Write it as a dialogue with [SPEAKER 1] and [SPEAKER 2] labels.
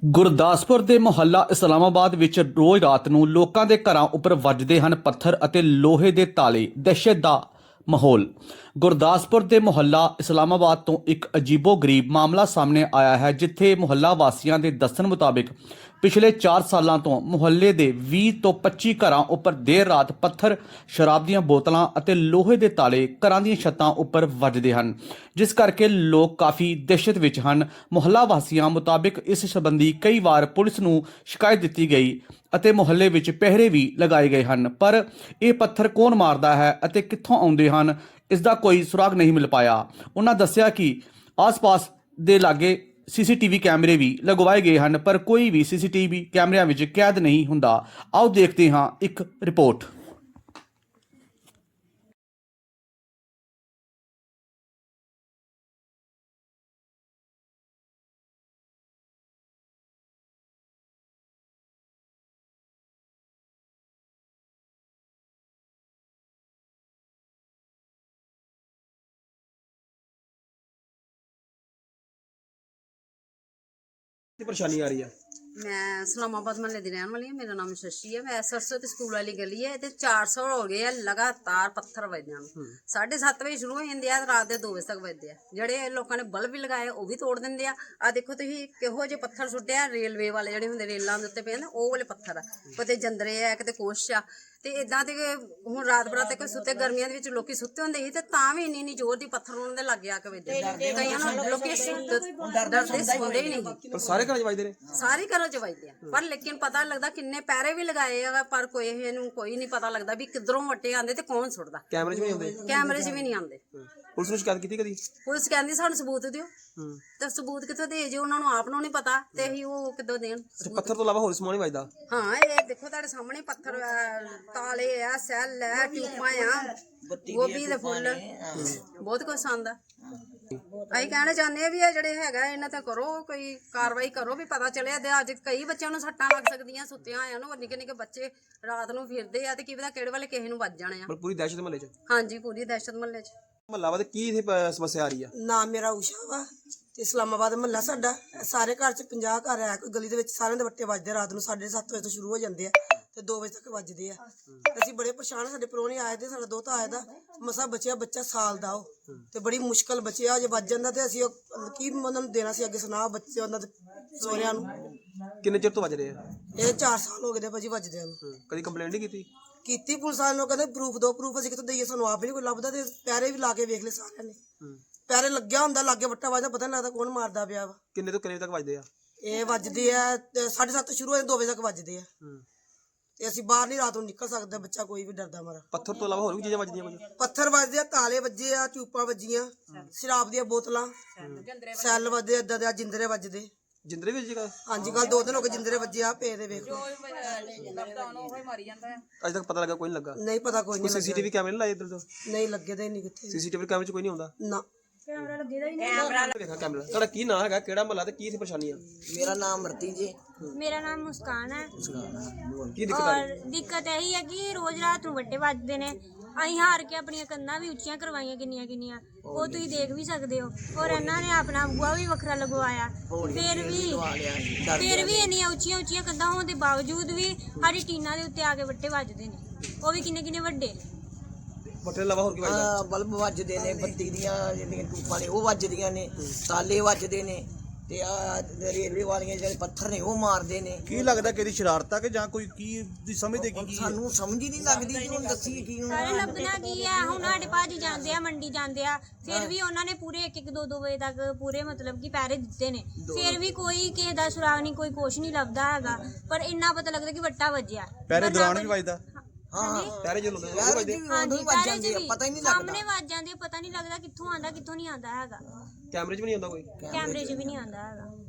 [SPEAKER 1] ਗੁਰਦਾਸਪੁਰ ਦੇ ਮੁਹੱਲਾ ਇਸਲਾਮਾਬਾਦ ਵਿੱਚ ਰੋਜ਼ ਰਾਤ ਨੂੰ ਲੋਕਾਂ ਦੇ ਘਰਾਂ ਉੱਪਰ ਵੱਜਦੇ ਹਨ ਪੱਥਰ ਅਤੇ ਲੋਹੇ ਦੇ ਤਾਲੇ। ਦਹਿਸ਼ਤ ਦਾ ਮਾਹੌਲ। ਗੁਰਦਾਸਪੁਰ ਦੇ ਮੁਹੱਲਾ ਇਸਲਾਮਾਬਾਦ ਤੋਂ ਇੱਕ ਅਜੀਬੋ-ਗਰੀਬ ਮਾਮਲਾ ਸਾਹਮਣੇ ਆਇਆ ਹੈ, ਜਿੱਥੇ ਮੁਹੱਲਾ ਵਾਸੀਆਂ ਦੇ ਦੱਸਣ ਮੁਤਾਬਿਕ ਪਿਛਲੇ 4 ਸਾਲਾਂ ਤੋਂ ਮੁਹੱਲੇ ਦੇ 20 ਤੋਂ 25 ਘਰਾਂ ਉੱਪਰ ਦੇਰ ਰਾਤ ਪੱਥਰ, ਸ਼ਰਾਬ ਦੀਆਂ ਬੋਤਲਾਂ ਅਤੇ ਲੋਹੇ ਦੇ ਤਾਲੇ ਘਰਾਂ ਦੀਆਂ ਛੱਤਾਂ ਉੱਪਰ ਵੱਜਦੇ ਹਨ, ਜਿਸ ਕਰਕੇ ਲੋਕ ਕਾਫੀ ਦਹਿਸ਼ਤ ਵਿੱਚ ਹਨ। ਮੁਹੱਲਾ ਵਾਸੀਆਂ ਮੁਤਾਬਿਕ ਇਸ ਸੰਬੰਧੀ ਕਈ ਵਾਰ ਪੁਲਿਸ ਨੂੰ ਸ਼ਿਕਾਇਤ ਦਿੱਤੀ ਗਈ ਅਤੇ ਮੁਹੱਲੇ ਵਿੱਚ ਪਹਿਰੇ ਵੀ ਲਗਾਏ ਗਏ ਹਨ, ਪਰ ਇਹ ਪੱਥਰ ਕੌਣ ਮਾਰਦਾ ਹੈ ਅਤੇ ਕਿੱਥੋਂ ਆਉਂਦੇ ਹਨ, ਇਸ ਦਾ ਕੋਈ ਸੁਰਾਗ ਨਹੀਂ ਮਿਲ ਪਾਇਆ। ਉਹਨਾਂ ਦੱਸਿਆ ਕਿ ਆਸ-ਪਾਸ ਦੇ ਲਾਗੇ ਸੀਸੀਟੀਵੀ ਕੈਮਰੇ ਵੀ ਲਗਵਾਏ ਗਏ ਹਨ, ਪਰ ਕੋਈ ਵੀ ਸੀਸੀਟੀਵੀ ਕੈਮਰਿਆਂ ਵਿੱਚ ਕੈਦ ਨਹੀਂ ਹੁੰਦਾ। ਆਓ ਦੇਖਦੇ ਹਾਂ ਇੱਕ ਰਿਪੋਰਟ।
[SPEAKER 2] परेशानी आ रही है?
[SPEAKER 3] मैं इस्लामाबाद महल्ले की रहने वाली हूँ। मेरा नाम शशि है। मैं सरस्वती स्कूल वाली गली है। 400 हो गए है लगातार पत्थर वजन 7:30 बजे शुरू हो जाते हैं, रात के 2 बजे तक बजते हैं। ਜਿਹੜੇ ਲੋਕਾਂ ਨੇ ਬਲਬ ਵੀ ਲਗਾਏ ਉਹ ਵੀ ਤੋੜ ਦਿੰਦੇ ਆ। ਆ ਦੇਖੋ ਤੁਸੀਂ ਕਿਹੋ ਜਿਹੇ ਪੱਥਰ ਸੁੱਟਿਆ, ਰੇਲਵੇ ਵਾਲੇ ਜਿਹੜੇ ਹੁੰਦੇ ਰੇਲਾਂ ਦੇ ਉੱਤੇ ਪਏ ਨੇ ਉਹ ਵਾਲੇ ਪੱਥਰ ਆ, ਕਿਤੇ ਜੰਦਰੇ ਆ ਕਿਤੇ ਕੁਛ ਆ। ਤੇ ਇਦਾਂ ਦੇ ਹੁਣ ਰਾਤ ਬਰਾਤ ਤੱਕ ਸੁੱਤੇ, ਗਰਮੀਆਂ ਦੇ ਵਿੱਚ ਲੋਕੀ ਸੁੱਤੇ ਹੁੰਦੇ ਸੀ ਤੇ ਤਾਂ ਵੀ ਇੰਨੀ ਜ਼ੋਰ ਦੀ ਪੱਥਰ ਉਹਨਾਂ ਦੇ ਲੱਗ ਗਿਆ ਕਿ ਵੱਜਦੇ। ਕਈਆਂ ਨੂੰ ਲੋਕੀ ਡਰਦੇ ਸੌਂਦੇ ਹੀ ਨਹੀਂ।
[SPEAKER 2] ਪਰ ਸਾਰੇ ਘਰਾਂ 'ਚ ਵੱਜਦੇ ਨੇ?
[SPEAKER 3] ਸਾਰੇ ਘਰਾਂ 'ਚ ਵੱਜਦੇ ਆ, ਪਰ ਲੇਕਿਨ ਪਤਾ ਲੱਗਦਾ ਕਿੰਨੇ ਪੈਰੇ ਵੀ ਲਗਾਏ ਆ, ਪਰ ਕੋਈ ਇਹਨੂੰ ਕੋਈ ਨਹੀਂ ਪਤਾ ਲੱਗਦਾ ਵੀ ਕਿੱਧਰੋਂ ਵੱਟੇ ਆਉਂਦੇ ਤੇ ਕੌਣ ਸੁੱਟਦਾ।
[SPEAKER 2] ਕੈਮਰੇ 'ਚ ਵੀ ਆਉਂਦੇ?
[SPEAKER 3] ਕੈਮਰੇ 'ਚ ਵੀ ਨਹੀਂ ਆਉਂਦੇ।
[SPEAKER 2] ਪੁਲਿਸ ਨੂੰ ਸ਼ਿਕਾਇਤ ਕੀਤੀ ਕਦੀ?
[SPEAKER 3] ਪੁਲਿਸ ਕਹਿੰਦੀ ਸਾਨੂੰ ਸਬੂਤ ਦਿਓ, ਤੇ ਸਬੂਤ ਕਿੱਥੋਂ ਦੇ? ਜੇ ਉਹਨਾਂ ਨੂੰ ਆਪ ਨੂੰ ਨਹੀਂ ਪਤਾ ਤੇ ਅਸੀਂ ਉਹ ਕਿੱਦੋਂ ਦੇਣ?
[SPEAKER 2] ਪੱਥਰ ਤੋਂ ਇਲਾਵਾ ਹੋਰ ਸਮਾਨ ਨਹੀਂ ਵੱਜਦਾ?
[SPEAKER 3] ਹਾਂ, ਇਹ ਦੇਖੋ ਤੁਹਾਡੇ ਸਾਹਮਣੇ ਪੱਥਰ, ਤਾਲੇ ਆ, ਸੈੱਲ ਆ, ਟਿਊਬਾਂ ਆ, ਗੋਭੀ ਦੇ ਫੁੱਲ, ਬਹੁਤ ਕੁਛ ਆਉਂਦਾ। ਅਸੀਂ ਕਹਿਣਾ ਚਾਹੁੰਦੇ ਆ ਵੀ ਇਹ ਜਿਹੜੇ ਹੈਗਾ ਇਹਨਾਂ ਤੇ ਕਰੋ, ਕੋਈ ਕਾਰਵਾਈ ਕਰੋ ਵੀ ਪਤਾ ਚੱਲਿਆ। ਤੇ ਅੱਜ ਕਈ ਬੱਚਿਆਂ ਨੂੰ ਸੱਟਾਂ ਲੱਗ ਸਕਦੀਆਂ ਸੁੱਤਿਆਂ ਆਇਆਂ ਨੂੰ। ਨਿੱਕੇ ਨਿੱਕੇ ਬੱਚੇ ਰਾਤ ਨੂੰ ਫਿਰਦੇ ਆ ਤੇ ਕੀ ਪਤਾ ਕਿਹੜੇ ਵੇਲੇ ਕਿਸੇ ਨੂੰ ਵੱਜ ਜਾਣੇ ਆ।
[SPEAKER 2] ਪੂਰੀ ਦਹਿਸ਼ਤ ਮਹੱਲੇ 'ਚ?
[SPEAKER 3] ਹਾਂਜੀ, ਪੂਰੀ ਦਹਿਸ਼ਤ ਮਹੱਲੇ 'ਚ।
[SPEAKER 2] ਮਹੱਲਾ ਵਾਦ ਕੀ ਇਥੇ ਸਮੱਸਿਆ ਆ ਰਹੀ ਆ?
[SPEAKER 4] ਨਾਮ ਮੇਰਾ ਊਸ਼ਾ ਵਾ ਤੇ ਇਸਲਾਮਾਬਾਦ ਮਹੱਲਾ ਸਾਡਾ। ਸਾਰੇ ਘਰ 'ਚ 50 ਘਰ ਆ। ਕੋਈ ਗਲੀ ਦੇ ਵਿੱਚ ਸਾਰਿਆਂ ਦੇ ਵੱਟੇ ਵੱਜਦੇ ਰਾਤ ਨੂੰ 7:30 ਵਜੇ ਤੋਂ ਸ਼ੁਰੂ ਹੋ ਜਾਂਦੇ ਆ ਤੇ 2 ਵਜੇ ਤੱਕ ਵੱਜਦੇ ਆ। ਅਸੀਂ ਬੜੇ ਪਰੇਸ਼ਾਨ। ਸਾਡੇ ਪ੍ਰਾਹੁਣੇ ਆਏ ਤੇ ਸਾਡਾ ਦੋਤਾ ਆਇਆ ਦਾ ਮਸਾ ਬਚਿਆ, ਬੱਚਾ ਸਾਲ ਦਾ ਉਹ, ਤੇ ਬੜੀ ਮੁਸ਼ਕਲ ਬਚਿਆ। ਜੇ ਵੱਜ ਜਾਂਦਾ ਤੇ ਅਸੀਂ ਕੀ ਉਹਨਾਂ ਨੂੰ ਦੇਣਾ ਸੀ ਅੱਗੇ ਸੁਣਾ ਬੱਚੇ ਉਹਨਾਂ ਦੇ ਸਹੁਰਿਆਂ ਨੂੰ।
[SPEAKER 2] ਕਿੰਨੇ ਚਿਰ ਤੋਂ ਵੱਜ ਰਹੇ ਆ
[SPEAKER 4] ਇਹ? 4 ਸਾਲ ਹੋ ਗਏ ਦੇ ਭਾਜੀ ਵੱਜਦਿਆਂ ਨੂੰ।
[SPEAKER 2] ਕਦੀ ਕੰਪਲੇਂਟ ਨਹੀਂ
[SPEAKER 4] ਕੀਤੀ ਪੁਲਿਸ ਵਾਲਿਆਂ ਨੂੰ, ਕਹਿੰਦੇ ਪ੍ਰੂਫ ਦੋ। ਪ੍ਰੂਫ ਅਸੀਂ ਕਿੱਥੋਂ ਦਈਏ? ਸਾਨੂੰ ਆਪ ਨਹੀਂ ਕੋਈ ਲੱਭਦਾ। ਤੇ ਪੈਰੇ ਵੀ ਲਾ ਕੇ ਵੇਖ ਲਏ ਸਾਰਿਆਂ ਨੇ, ਪੈਰੇ ਲੱਗਿਆ ਹੁੰਦਾ, ਲਾਗੇ ਵੱਟਾ ਵੱਜਦਾ, ਪਤਾ ਨਹੀਂ ਲੱਗਦਾ ਕੌਣ ਮਾਰਦਾ ਪਿਆ ਵਾ।
[SPEAKER 2] ਕਿੰਨੇ ਤੋਂ ਕਿੰਨੇ ਤੱਕ ਵੱਜਦੇ ਆ?
[SPEAKER 4] ਇਹ ਵੱਜਦੇ ਆ 7:30 ਸ਼ੁਰੂ ਹੋ ਜਾਂਦੇ, 2 ਵਜੇ ਤੱਕ ਵੱਜਦੇ ਆ। ਤੇ ਅਸੀਂ ਬਾਹਰ ਨਹੀਂ ਰਾਤ ਨੂੰ ਨਿਕਲ ਸਕਦੇ, ਬੱਚਾ ਕੋਈ ਵੀ ਡਰਦਾ ਮਾਰਾ।
[SPEAKER 2] ਪੱਥਰ ਤੋਂ ਇਲਾਵਾ ਹੋਰ ਵੀ ਚੀਜ਼ਾਂ ਵੱਜਦੀਆਂ? ਕੁਝ
[SPEAKER 4] ਪੱਥਰ ਵੱਜਦੇ ਆ, ਤਾਲੇ ਵੱਜੇ ਆ, ਚੂਪਾਂ ਵੱਜੀਆਂ, ਸ਼ਰਾਬ ਦੀਆਂ ਬੋਤਲਾਂ, ਸੈੱਲ ਵੱਜਦੇ, ਏਦਾਂ ਦੇ ਜਿੰਦਰੇ ਵੱਜਦੇ।
[SPEAKER 2] ਜਿੰਦਰੇ ਵੀ ਵੱਜੇਗਾ?
[SPEAKER 4] ਹਾਂਜੀ, ਕੱਲ 2 ਦਿਨ ਹੋ ਗਏ ਜਿੰਦਰੇ ਵੱਜੇ ਆ ਪਏ ਦੇ। ਵੇਖ
[SPEAKER 2] ਅਜੇ ਤੱਕ ਪਤਾ ਲੱਗਾ ਕੋਈ ਨਹੀਂ ਲੱਗਾ?
[SPEAKER 4] ਨਹੀਂ ਪਤਾ, ਕੋਈ ਨਹੀਂ।
[SPEAKER 2] ਸੀਸੀਟੀਵੀ ਕੈਮਰੇ ਨਹੀਂ ਲਾਏ ਇੱਧਰ ਤੋਂ?
[SPEAKER 4] ਨਹੀਂ ਲੱਗੇ ਦੇ ਨਹੀਂ ਕਿੱਥੇ।
[SPEAKER 2] ਸੀਸੀਟੀਵੀ ਕੈਮਰੇ 'ਚ ਕੋਈ ਨਹੀਂ ਆਉਂਦਾ
[SPEAKER 4] ਨਾ,
[SPEAKER 2] ਕੈਮਰਾ ਵੇਖਾ ਕੈਮਰਾ। ਤੁਹਾਡਾ ਕੀ ਨਾਂ ਹੈਗਾ, ਕਿਹੜਾ ਮਹੱਲਾ ਤੇ ਕੀ ਇਥੇ ਪਰੇਸ਼ਾਨੀ ਆ?
[SPEAKER 5] मेरा नाम मरती जी।
[SPEAKER 6] ਮੇਰਾ ਨਾਮ ਮੁਸਕਾਨ ਹੈ।
[SPEAKER 2] ਕੀ ਦਿੱਕਤ ਆ ਰਹੀ?
[SPEAKER 6] ਔਰ ਦਿੱਕਤ ਇਹੀ ਹੈ ਕਿ ਰੋਜ਼ ਰਾਤ ਨੂੰ ਵੱਟੇ ਵੱਜਦੇ ਨੇ। ਅਸੀਂ ਹਾਰ ਕੇ ਆਪਣੀਆਂ ਕੰਧਾਂ ਵੀ ਉੱਚੀਆਂ ਕਰਵਾਈਆਂ ਕਿੰਨੀਆਂ ਕਿੰਨੀਆਂ, ਉਹ ਤੁਸੀਂ ਦੇਖ ਵੀ ਸਕਦੇ ਹੋ। ਔਰ ਇਹਨਾਂ ਨੇ ਆਪਣਾ ਬੂਹਾ ਵੀ ਵੱਖਰਾ ਲਗਵਾਇਆ, ਫਿਰ ਵੀ ਇੰਨੀਆਂ ਉੱਚੀਆਂ ਉੱਚੀਆਂ ਕੰਧਾਂ ਹੋਣ ਦੇ ਬਾਵਜੂਦ ਵੀ ਸਾਡੀ ਟੀਨਾਂ ਦੇ ਉੱਤੇ ਆ ਕੇ ਵੱਟੇ ਵੱਜਦੇ ਨੇ, ਉਹ ਵੀ ਕਿੰਨੇ ਕਿੰਨੇ ਵੱਡੇ।
[SPEAKER 2] ਪੱਟੇ ਇਲਾਵਾ ਹੋਰ ਕੀ ਵੱਜਦਾ?
[SPEAKER 5] ਬਲਬ ਵੱਜਦੇ ਨੇ, ਬੱਤੀ ਦੀਆਂ ਜਿਹੜੀਆਂ ਟੂਪਾਂ ਨੇ ਉਹ ਵੱਜਦੀਆਂ ਨੇ, ਤਾਲੇ ਵੱਜਦੇ ਨੇ, ਤੇ ਆ ਰੇਲਵੇ ਵਾਲੀਆਂ ਜਿਹੜੇ ਪੱਥਰ ਨੇ ਉਹ ਮਾਰਦੇ ਨੇ।
[SPEAKER 7] ਕੀ ਲੱਗਦਾ ਕਿ ਇਹਦੀ ਸ਼ਰਾਰਤ ਆ ਕਿ ਜਾਂ ਕੋਈ ਕੀ ਦੀ ਸਮਝਦੇ ਕੀ?
[SPEAKER 5] ਸਾਨੂੰ ਸਮਝ ਹੀ ਨਹੀਂ ਲੱਗਦੀ ਕਿ ਹੁਣ ਦੱਸੀਏ ਕੀ ਹੁਣ।
[SPEAKER 6] ਸਾਰੇ ਲੱਭਣਾ ਕੀ ਹੈ? ਹੁਣ ਸਾਡੇ ਭਾਜੀ ਜਾਂਦੇ ਆ ਮੰਡੀ ਜਾਂਦੇ ਆ, ਫਿਰ ਵੀ ਉਹਨਾਂ ਨੇ ਪੂਰੇ 1-1 2-2 ਵਜੇ ਤੱਕ ਪੂਰੇ ਮਤਲਬ ਕਿ ਪੈਰੇ ਦਿੱਤੇ ਨੇ, ਫਿਰ ਵੀ ਕੋਈ ਕਿਸੇ ਦਾ ਸੁਰਾਗ ਨਹੀਂ, ਕੋਈ ਕੁਛ ਨਹੀਂ ਲੱਭਦਾ ਹੈਗਾ। ਪਰ ਇੰਨਾ ਪਤਾ ਲੱਗਦਾ ਕਿ ਵੱਟਾ ਵੱਜਿਆ।
[SPEAKER 7] ਪੈਰੇ ਦੌਰਾਨ ਵੀ ਵੱਜਦਾ?
[SPEAKER 5] ਹਾਂ,
[SPEAKER 2] ਪੈਰੇ ਜੋ ਲੋਕਾਂ
[SPEAKER 5] ਪੈਰੇ
[SPEAKER 2] ਵੱਜਦੇ?
[SPEAKER 6] ਹਾਂਜੀ, ਪੈਰੇ 'ਚ ਵੀ
[SPEAKER 5] ਪਤਾ ਹੀ ਨਹੀਂ
[SPEAKER 6] ਸਾਹਮਣੇ
[SPEAKER 5] ਲੱਗਦਾ।
[SPEAKER 6] ਵੱਜ ਜਾਂਦੇ, ਪਤਾ ਨਹੀਂ ਲੱਗਦਾ ਕਿੱਥੋਂ ਆਉਂਦਾ ਕਿੱਥੋਂ ਨਹੀਂ ਆਉਂਦਾ ਹੈਗਾ।
[SPEAKER 2] ਕੈਮਰੇ 'ਚ ਵੀ ਨਹੀਂ ਆਉਂਦਾ ਕੋਈ?
[SPEAKER 6] ਕੈਮਰੇ 'ਚ ਵੀ ਨਹੀਂ ਆਉਂਦਾ ਹੈਗਾ।